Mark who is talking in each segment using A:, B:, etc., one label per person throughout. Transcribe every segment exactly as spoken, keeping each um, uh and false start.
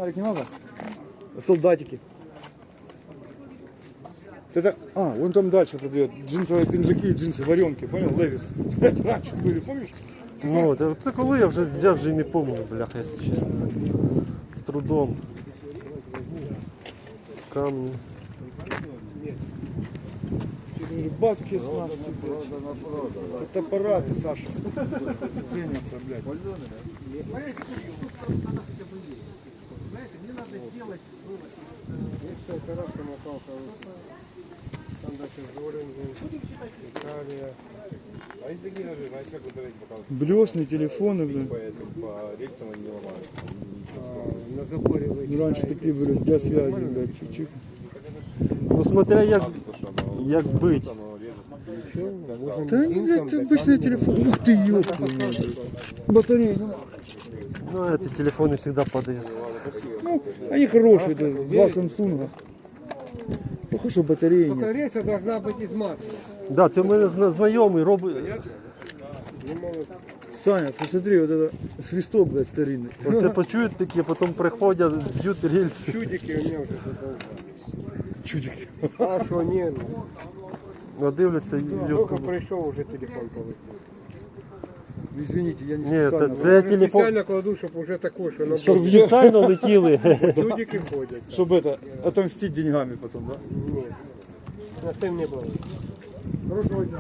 A: фонарик не надо? Солдатики. Это, а, вон там дальше продает джинсовые пинжаки и джинсы варенки, понял, Левис? Это раньше были, помнишь?
B: Ну, це, це коли я вже, я вже і не пам'ятаю, бляха, якщо чесно. З трудом. Камні.
A: Рыбацкие снасти, блядь. Это аппараты, Саша. Ценятся, блядь.
C: Мне надо сделать вывод. Если коробка напалка, там дальше Жоринген, Италия. А если такие ножи, знаете, как ударить пока?
A: Блесны, телефоны, блядь.
C: По, по рельсам они не ломаются. А, на заборе вы.
A: Ну, раньше такие были для связи, блядь, чуть-чуть.
B: Ну, смотря як, як бить.
A: Да они, блядь, обычный телефон. Ух ты, ёпта. Батарея, ну.
B: Ну, эти телефоны всегда падают.
A: Ну, они хорошие, да, два Самсунга. Похоже, что батареи нет.
C: Рельса должна быть из масла.
B: Да, це в мене зна- знайомий робить.
A: Саня, посмотри, вот это свисток, блядь, старинный.
B: Оце почують такі, потім приходять, б'ють рельси.
C: Чудики у меня уже задолго.
A: Чудики.
C: А что, нет?
B: Надивляться і
C: Только
B: йоку.
C: пришел, уже телефон получил.
A: Извините, я не
B: Ні,
A: специально.
B: це, це телефон,
C: Специально кладу, чтобы уже такой, что на
B: щоб спеціально летіли.
C: чудики ходят.
A: Чтобы это, отомстить деньгами потом, да?
C: Нет. На тем не было.
A: Хорошего дня.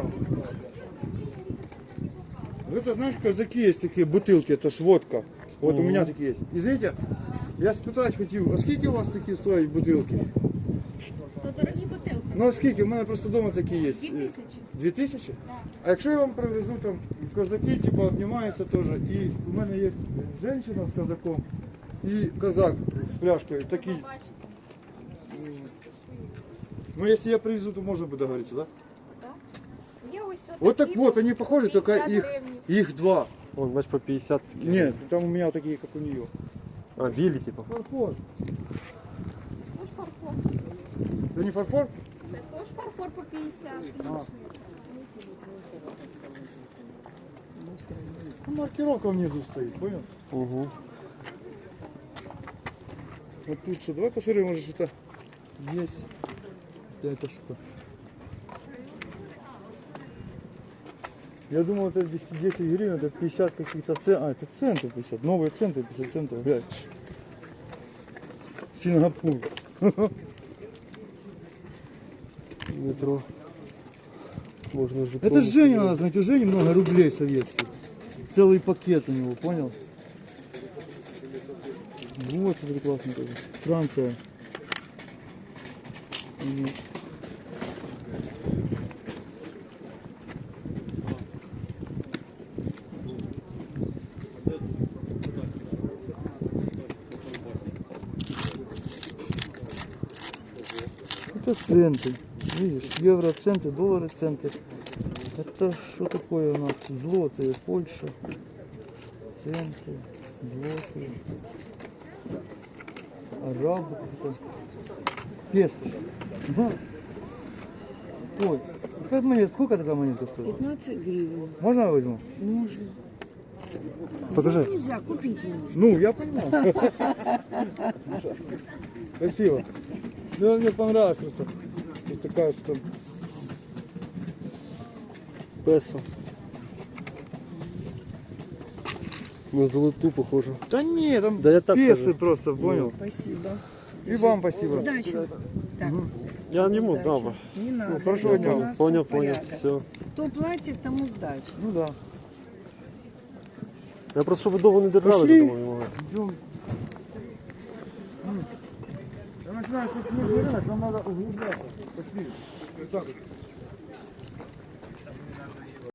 A: Ну это, знаешь, казаки есть такие бутылки, это ж водка. Вот у меня такие есть. Извините, я спитать хотів, а скільки у вас такі стоять бутилки?
D: То дорогі бутилки.
A: Ну а скільки? У мене просто вдома такі є.
D: Дві тисячі.
A: Дві тисячі?
D: Так.
A: А якщо я вам привезу там козаки, типа обнімаються теж, і у мене є жінка з козаком і козак з пляшкою, такий. Ну если я привезу, то можно будет договориться, да?
D: Так. Є ось
A: Вот
D: отакі
A: так вот, они похожи, только
D: п'ятдесят
A: их,
D: гривень.
A: их два.
B: Вон, бач, по п'ятдесят такі.
A: Нет, там у меня такие, как у нее.
B: А, білі, типу.
A: Фарфор.
D: Ось фарфор.
A: Это не фарфор?
D: Це теж фарфор по п'ятдесят.
A: А. Ну, маркировка внизу стоит, понял?
B: Угу.
A: Вот тут что, давай посмотрим, может что-то есть. Да, это что? Я думал, это десять гривен, это пятьдесят каких-то центов. А, это центы пятьдесят. Новые центы пятьдесят центов. Блядь. Сингапур.
B: Метро. Можно же.
A: Это ж Женя надо знать. У Жени много рублей советских. Целый пакет у него, понял? Вот, смотри, классно тоже. Франция. Мгм. Это центы. Видишь, евро центы, доллары центы. Это что такое у нас? Злотые, Польша. Центы, злотые. Арабы какие-то. Песо. Ага. Ой, какая монета? Сколько такая монета стоит?
E: пятнадцать гривен.
A: Можно я возьму?
E: Можно.
B: Покажи.
E: Взять нельзя, купить можно.
A: Ну, я понимаю. Спасибо. Ну, мне понравилось просто. Вот такая, что...
B: Песо. На золоту похоже.
A: Да не, там
B: Да я так
A: песы
B: тоже.
A: просто, понял?
E: Спасибо.
A: И вам спасибо.
E: Сдачу. Так.
B: Я не мог,
E: сдачу.
B: да.
E: Не надо.
A: хорошего
E: это
A: дня.
E: у нас
B: Понял, понял,
E: порядок.
B: все.
E: Кто платит, тому сдача.
A: Ну да.
B: Я просто, щоб ви довго не держали,
A: Пошли.
B: думаю, не могли.
A: Идем. Я начинаю, что снежный рынок, нам надо углубляться. Пошли. Вот так вот.